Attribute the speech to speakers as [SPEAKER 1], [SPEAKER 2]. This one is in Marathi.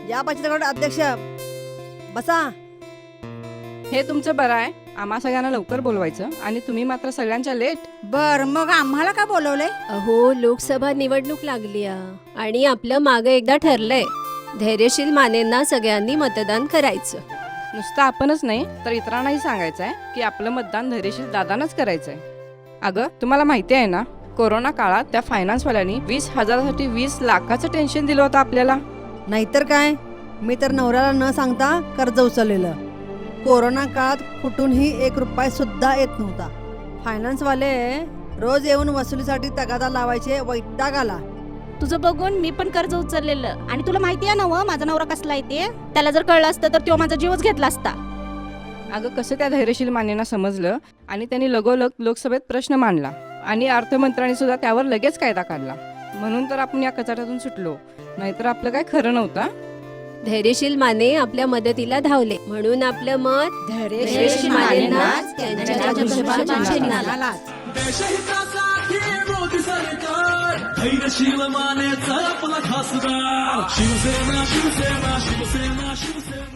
[SPEAKER 1] या बचत गट अध्यक्ष बसा.
[SPEAKER 2] हे तुमचं बरं आहे. आम्हा सगळ्यांना लवकर बोलवायचं आणि तुम्ही मात्र सगळ्यांच्या लेट.
[SPEAKER 1] बर मग आम्हाला का बोलवलंय?
[SPEAKER 3] अहो लोकसभा निवडणूक लागली आणि आपलं मागं एकदा ठरलंय, धैर्यशील मानेंना सगळ्यांनी मतदान करायचं.
[SPEAKER 2] नुसतं आपणच नाही तर इतरांनाही सांगायचं आहे की आपलं मतदान धैर्यशील दादांनाच करायचं आहे. अगं तुम्हाला माहिती आहे ना, कोरोना काळात त्या फायनान्सवाल्यांनी 20,000साठी 20 लाखाचं टेन्शन दिलं होतं आपल्याला.
[SPEAKER 1] नाहीतर काय, मी तर नवऱ्याला न सांगता कर्ज उचललेलं. कोरोना काळात कुठूनही 1 रुपया सुद्धा येत नव्हता. फायनान्सवाले रोज येऊन वसुलीसाठी तगादा लावायचे, वैताग आला.
[SPEAKER 4] तुझं बघून मी पण कर्ज उचललेलं. आणि तुला माहिती आहे ना व माझा नवरा कसला आहे ते. त्याला जर कळलं असतं तर तो माझा जीवच घेतला असता.
[SPEAKER 2] अगं कसं त्या धैर्यशील मानेंना समजलं आणि त्यांनी लगोलग लोकसभेत प्रश्न मांडला आणि अर्थमंत्र्यांनी सुद्धा त्यावर लगेच कायदा काढला. म्हणून तर आपण या कचाट्यातून सुटलो, नाहीतर आपलं काय खरं नव्हतं.
[SPEAKER 3] धैर्यशील माने आपल्या मदतीला धावले म्हणून आपलं मत धैर्यशील मानेंनाच त्यांच्या धनुष्यबाणाच्या चिन्हाला.
[SPEAKER 5] देशहितासाठी मोदी सरकार, धैर्यशील मानेचा आपला खासदार. शिवसेना शिवसेना शिवसेना शिवसेना.